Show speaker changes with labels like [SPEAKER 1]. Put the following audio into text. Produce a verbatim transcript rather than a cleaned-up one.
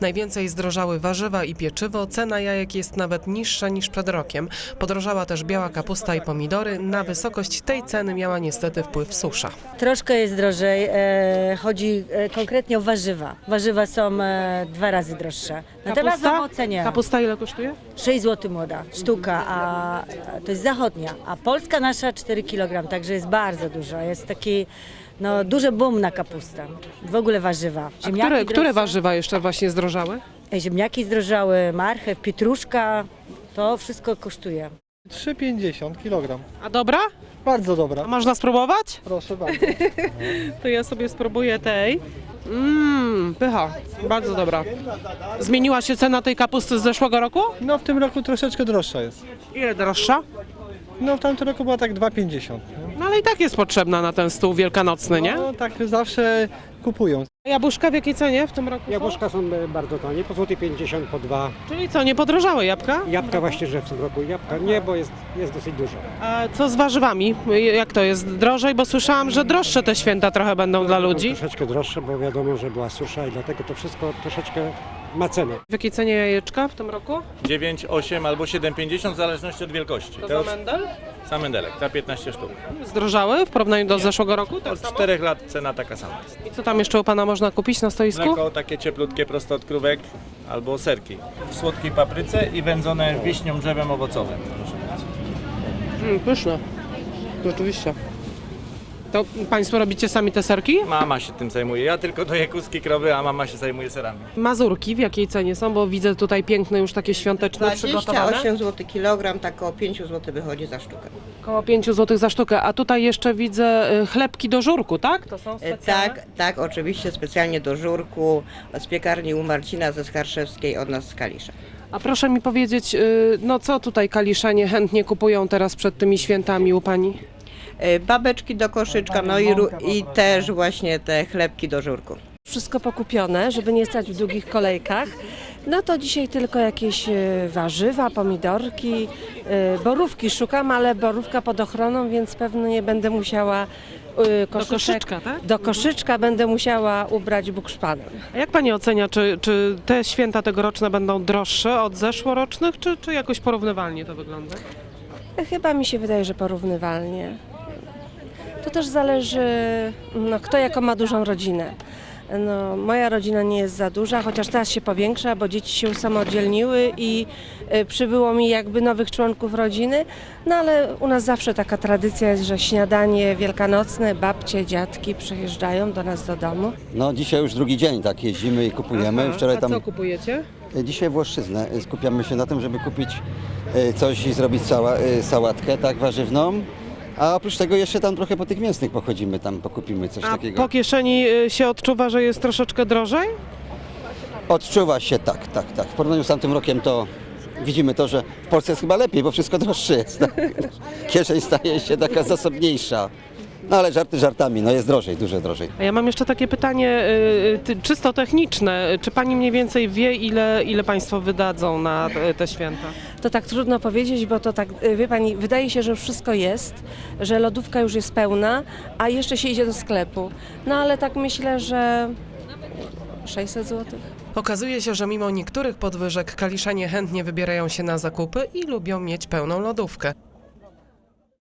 [SPEAKER 1] Najwięcej zdrożały warzywa i pieczywo, cena jajek jest nawet niższa niż przed rokiem. Podrożała też biała kapusta i pomidory. Na wysokość tej ceny miała niestety wpływ susza.
[SPEAKER 2] Troszkę jest drożej, e, chodzi e, konkretnie o warzywa. Warzywa są e, dwa razy droższe. Natomiast owoce nie.
[SPEAKER 1] Kapusta ile kosztuje?
[SPEAKER 2] sześć złotych młoda sztuka, a to jest zachodnia, a polska nasza cztery kilogramy, także jest bardzo dużo. Jest taki no, duży boom na kapustę. W ogóle warzywa.
[SPEAKER 1] A które, które
[SPEAKER 2] droższe.
[SPEAKER 1] warzywa jeszcze właśnie zdrożały?
[SPEAKER 2] E, Ziemniaki zdrożały, marchew, pietruszka, to wszystko kosztuje.
[SPEAKER 3] trzy pięćdziesiąt kilogram.
[SPEAKER 1] A dobra?
[SPEAKER 3] Bardzo
[SPEAKER 1] A
[SPEAKER 3] dobra.
[SPEAKER 1] można spróbować?
[SPEAKER 3] Proszę bardzo.
[SPEAKER 1] To ja sobie spróbuję tej. Mmm, pycha. Bardzo dobra. Zmieniła się cena tej kapusty z zeszłego roku?
[SPEAKER 3] No w tym roku troszeczkę droższa jest.
[SPEAKER 1] Ile droższa?
[SPEAKER 3] No w tamtym roku była tak dwa pięćdziesiąt. nie?
[SPEAKER 1] No ale i tak jest potrzebna na ten stół wielkanocny, nie?
[SPEAKER 3] No tak zawsze kupują.
[SPEAKER 1] Jabłuszka w jakiej cenie w tym roku są?
[SPEAKER 4] Jabłuszka są e, bardzo tanie, po złoty pięćdziesiąt, po dwa.
[SPEAKER 1] Czyli co, nie podrożały jabłka?
[SPEAKER 4] Jabłka właśnie, że w tym roku jabłka nie, bo jest, jest dosyć dużo.
[SPEAKER 1] A co z warzywami? Jak to jest? Drożej? Bo słyszałam, że droższe te święta trochę będą dla ludzi.
[SPEAKER 4] Troszeczkę droższe, bo wiadomo, że była susza i dlatego to wszystko troszeczkę ma cenę.
[SPEAKER 1] W jakiej cenie jajeczka w tym roku?
[SPEAKER 5] dziewięć, osiem albo siedem pięćdziesiąt w zależności od wielkości.
[SPEAKER 1] To
[SPEAKER 5] Te
[SPEAKER 1] za
[SPEAKER 5] od,
[SPEAKER 1] mendel?
[SPEAKER 5] sam mendelek, ta piętnaście sztuk.
[SPEAKER 1] Zdrożały w porównaniu do zeszłego roku? Tak
[SPEAKER 5] Od
[SPEAKER 1] samo?
[SPEAKER 5] czterech lat cena taka sama jest.
[SPEAKER 1] I co tam jeszcze u Pana można kupić na stoisku?
[SPEAKER 5] Mleko takie cieplutkie, prosto od krówek albo serki. W słodkiej papryce i wędzone wiśnią drzewem owocowym. Proszę bardzo.
[SPEAKER 1] Mm, pyszne. Rzeczywiście. To Państwo robicie sami te serki?
[SPEAKER 5] Mama się tym zajmuje. Ja tylko doję kózki krowy, a mama się zajmuje serami.
[SPEAKER 1] Mazurki w jakiej cenie są? Bo widzę tutaj piękne już takie świąteczne przygotowane.
[SPEAKER 6] dwadzieścia osiem złotych kilogram, tak około pięć złotych wychodzi za sztukę.
[SPEAKER 1] Około pięć złotych za sztukę. A tutaj jeszcze widzę y, chlebki do żurku, tak? To są
[SPEAKER 6] E,
[SPEAKER 1] specjalne?
[SPEAKER 6] Tak, tak, oczywiście specjalnie do żurku z piekarni u Marcina ze Skarszewskiej od nas z Kalisza.
[SPEAKER 1] A proszę mi powiedzieć, y, no co tutaj kaliszanie chętnie kupują teraz przed tymi świętami u Pani?
[SPEAKER 6] E, Babeczki do koszyczka, no i, ru- i też właśnie te chlebki do żurku.
[SPEAKER 7] Wszystko pokupione, żeby nie stać w długich kolejkach. No to dzisiaj tylko jakieś e, warzywa, pomidorki, e, borówki szukam, ale borówka pod ochroną, więc pewno nie będę musiała e,
[SPEAKER 1] Do koszyczka, tak?
[SPEAKER 7] do koszyczka będę musiała ubrać bukszpanem.
[SPEAKER 1] A jak Pani ocenia, czy, czy te święta tegoroczne będą droższe od zeszłorocznych, czy, czy jakoś porównywalnie to wygląda?
[SPEAKER 7] E, Chyba mi się wydaje, że porównywalnie. To też zależy, no, kto jaką ma dużą rodzinę. No, moja rodzina nie jest za duża, chociaż teraz się powiększa, bo dzieci się usamodzielniły i y, przybyło mi jakby nowych członków rodziny. No ale u nas zawsze taka tradycja jest, że śniadanie wielkanocne, babcie, dziadki przyjeżdżają do nas do domu.
[SPEAKER 8] No dzisiaj już drugi dzień tak jeździmy i kupujemy.
[SPEAKER 1] Aha,
[SPEAKER 8] Wczoraj
[SPEAKER 1] a
[SPEAKER 8] tam
[SPEAKER 1] co kupujecie?
[SPEAKER 8] dzisiaj Włoszczyznę. Skupiamy się na tym, żeby kupić e, coś i zrobić cała, e, sałatkę tak warzywną. A oprócz tego jeszcze tam trochę po tych mięsnych pochodzimy, tam pokupimy coś
[SPEAKER 1] A
[SPEAKER 8] takiego.
[SPEAKER 1] po kieszeni y, się odczuwa, że jest troszeczkę drożej?
[SPEAKER 8] Odczuwa się tak, tak, tak. W porównaniu z tamtym rokiem to widzimy to, że w Polsce jest chyba lepiej, bo wszystko droższe jest. Tak? Kieszeń staje się taka zasobniejsza. No ale żarty żartami, no jest drożej, dużo drożej.
[SPEAKER 1] A ja mam jeszcze takie pytanie y, ty, czysto techniczne. Czy Pani mniej więcej wie, ile, ile Państwo wydadzą na te, te święta?
[SPEAKER 7] To tak trudno powiedzieć, bo to tak, y, wie Pani, wydaje się, że już wszystko jest, że lodówka już jest pełna, a jeszcze się idzie do sklepu. No ale tak myślę, że sześćset złotych.
[SPEAKER 1] Okazuje się, że mimo niektórych podwyżek kaliszanie chętnie wybierają się na zakupy i lubią mieć pełną lodówkę.